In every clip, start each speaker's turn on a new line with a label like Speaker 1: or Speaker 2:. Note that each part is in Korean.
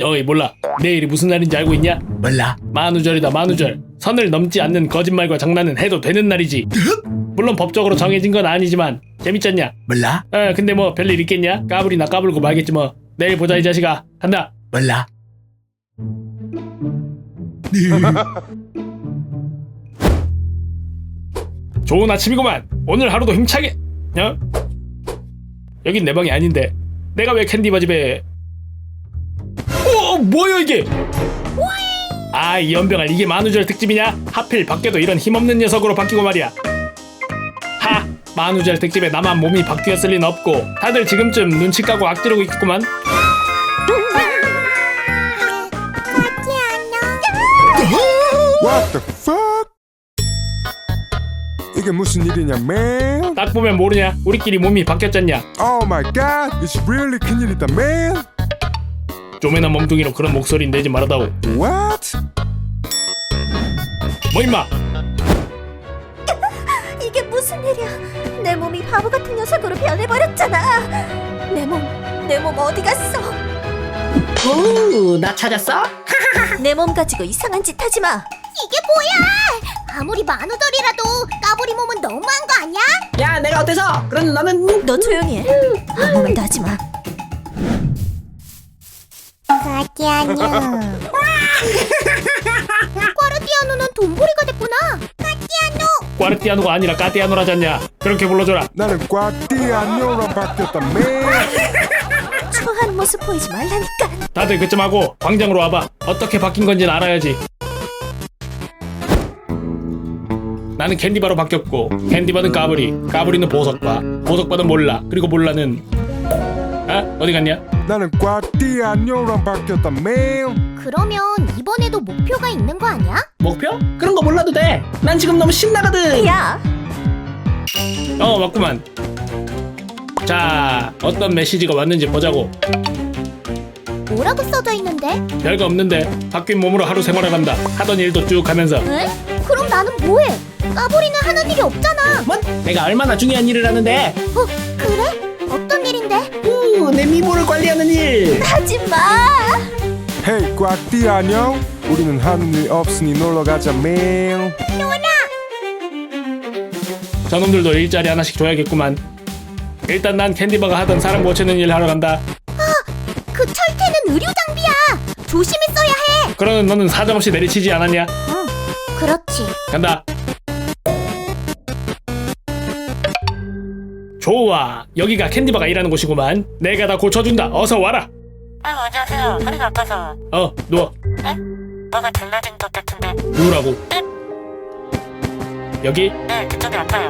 Speaker 1: 너희 몰라. 내일이 무슨 날인지 알고 있냐?
Speaker 2: 몰라.
Speaker 1: 만우절이다, 만우절. 선을 넘지 않는 거짓말과 장난은 해도 되는 날이지. 물론 법적으로 정해진 건 아니지만 재밌잖냐?
Speaker 2: 몰라.
Speaker 1: 근데 뭐 별일 있겠냐? 까불이나 까불고 말겠지 뭐. 내일 보자 이 자식아. 간다.
Speaker 2: 몰라.
Speaker 1: 좋은 아침이구만. 오늘 하루도 힘차게. 여긴 내 방이 아닌데 내가 왜 캔디바 집에. 뭐야 이게? 이 연병아, 이게 만우절 특집이냐? 하필 밖에도 이런 힘없는 녀석으로 바뀌고 말이야. 만우절 특집에 나만 몸이 바뀌었을 리는 없고 다들 지금쯤 눈치 까고 악지르고 있겠구만.
Speaker 3: What the fuck? 이게 무슨 일이냐, man?
Speaker 1: 딱 보면 모르냐? 우리끼리 몸이 바뀌었잖냐?
Speaker 3: Oh my god, it's really 큰일이다, man.
Speaker 1: 쪼매난 몸뚱이로 그런 목소리 내지 말아다오.
Speaker 3: What?
Speaker 1: 뭐 임마?
Speaker 4: 이게 무슨 일이야? 내 몸이 바보 같은 녀석으로 변해버렸잖아. 내 몸 어디 갔어?
Speaker 5: 오, 나 찾았어?
Speaker 4: 내 몸 가지고 이상한 짓 하지 마.
Speaker 6: 이게 뭐야? 아무리 만우절이라도 까불이 몸은 너무한 거 아니야?
Speaker 5: 야, 내가 어때서? 그럼 너는
Speaker 4: 너 조용히 해. 아무 말도 하지 마.
Speaker 6: 까띠 안녕. 꽈르띠아노는 돈보리가 됐구나. 까띠아노.
Speaker 1: 꽈르띠아노가 아니라 까띠아노라잖냐? 그렇게 불러줘라.
Speaker 3: 나는 꽈띠아뇨랑 바뀌었다, man.
Speaker 4: 추한 모습 보이지 말라니까.
Speaker 1: 다들 그쯤 하고 광장으로 와봐. 어떻게 바뀐 건지는 알아야지. 나는 캔디바로 바뀌었고 캔디바는 까불이, 까불이는 보석바, 보석바는 몰라, 그리고 몰라는 어디 갔냐?
Speaker 3: 나는 꽈띠아뇨랑 바뀌었다, man.
Speaker 6: 그러면 이번에도 목표가 있는 거 아니야?
Speaker 5: 목표? 그런 거 몰라도 돼. 난 지금 너무 신나거든.
Speaker 4: 야,
Speaker 1: 맞구만. 자, 어떤 메시지가 왔는지 보자고.
Speaker 6: 뭐라고 써져 있는데?
Speaker 1: 별거 없는데 바뀐 몸으로 하루 생활해간다. 하던 일도 쭉 하면서.
Speaker 6: 에? 그럼 나는 뭐해? 까불이는 하는 일이 없잖아.
Speaker 5: 뭔? 내가 얼마나 중요한 일을 하는데?
Speaker 6: 그래? 어떤 일인데?
Speaker 5: 내 미모를 관리하는 일.
Speaker 4: 하지 마.
Speaker 3: Hey, 꽈띠아뇨. 우리는 하는 일 없으니 놀러 가자, man.
Speaker 1: 저놈들도 일자리 하나씩 줘야겠구만. 일단 난 캔디바가 하던 사람 고치는 일 하러 간다.
Speaker 6: 그 철퇴는 의료 장비야. 조심히 써야 해.
Speaker 1: 그러는 너는 사정없이 내리치지 않았냐?
Speaker 6: 그렇지.
Speaker 1: 간다. 좋아, 여기가 캔디바가 일하는 곳이구만. 내가 다 고쳐준다. 어서 와라.
Speaker 7: 안녕하세요. 허리가 아파서.
Speaker 1: 누워.
Speaker 7: 뭐가 달라진 것 같은데.
Speaker 1: 누우라고. 여기
Speaker 7: 네, 그쪽이 아파요.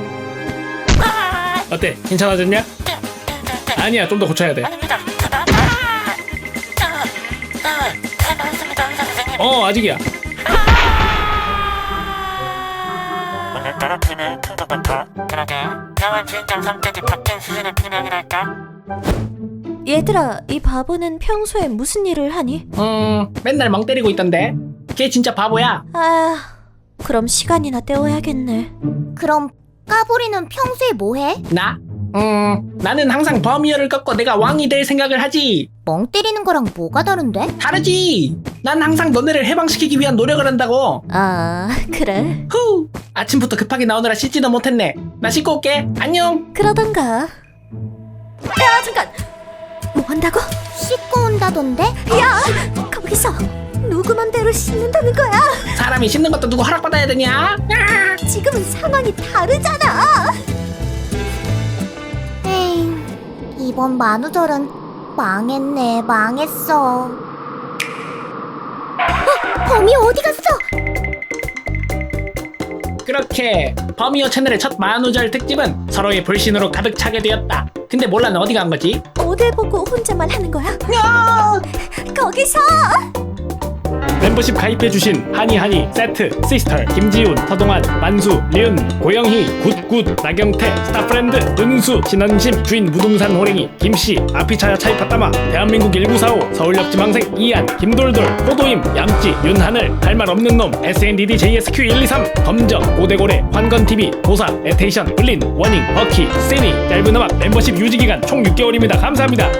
Speaker 1: 어때? 괜찮아졌냐? 아니야, 좀 더 고쳐야 돼.
Speaker 7: 아닙니다. 잘 나왔습니다, 의사 선생님.
Speaker 1: 아직이야.
Speaker 7: 오늘따라 피는 큰 것 같아. 그러게. 병원 주인장 성격이 바뀐 수준의 피명이랄까?
Speaker 4: 얘들아, 이 바보는 평소에 무슨 일을 하니?
Speaker 5: 맨날 멍 때리고 있던데. 걔 진짜 바보야.
Speaker 4: 그럼 시간이나 때워야겠네.
Speaker 6: 그럼 까불이는 평소에 뭐해?
Speaker 5: 나? 나는 항상 범위어를 꺾고 내가 왕이 될 생각을 하지.
Speaker 6: 멍 때리는 거랑 뭐가 다른데?
Speaker 5: 다르지. 난 항상 너네를 해방시키기 위한 노력을 한다고.
Speaker 4: 그래.
Speaker 5: 후. 아침부터 급하게 나오느라 씻지도 못했네. 나 씻고 올게. 안녕.
Speaker 4: 그러던가. 야, 잠깐. 뭐 한다고?
Speaker 6: 씻고 온다던데?
Speaker 4: 야, 거기서 누구 맘대로 씻는다는 거야?
Speaker 5: 사람이 씻는 것도 누구 허락받아야 되냐?
Speaker 4: 지금은 상황이 다르잖아.
Speaker 6: 에이, 이번 만우절은 망했네, 망했어. 범이 어디 갔어?
Speaker 5: 그렇게 범이어 채널의 첫 만우절 특집은 서로의 불신으로 가득 차게 되었다. 근데 몰라는 어디 간 거지?
Speaker 4: 어딜 보고 혼자만 하는 거야? 거기서!
Speaker 1: 멤버십 가입해주신 하니하니, 세트, 시스터, 김지훈, 서동환, 만수, 리은, 고영희, 굿굿, 나경태, 스타프렌드, 은수, 신원심, 주인 무등산 호랭이, 김씨, 아피차야 차이파따마, 대한민국 1945, 서울역 지망생 이한, 김돌돌, 호도임, 얌찌, 윤하늘, 할 말 없는 놈, SNDD JSQ123, 검정, 고대고래, 환건TV, 도사, 에테이션, 블린, 워닝, 버키, 세니, 짧은 음악, 멤버십 유지기간 총 6개월입니다. 감사합니다.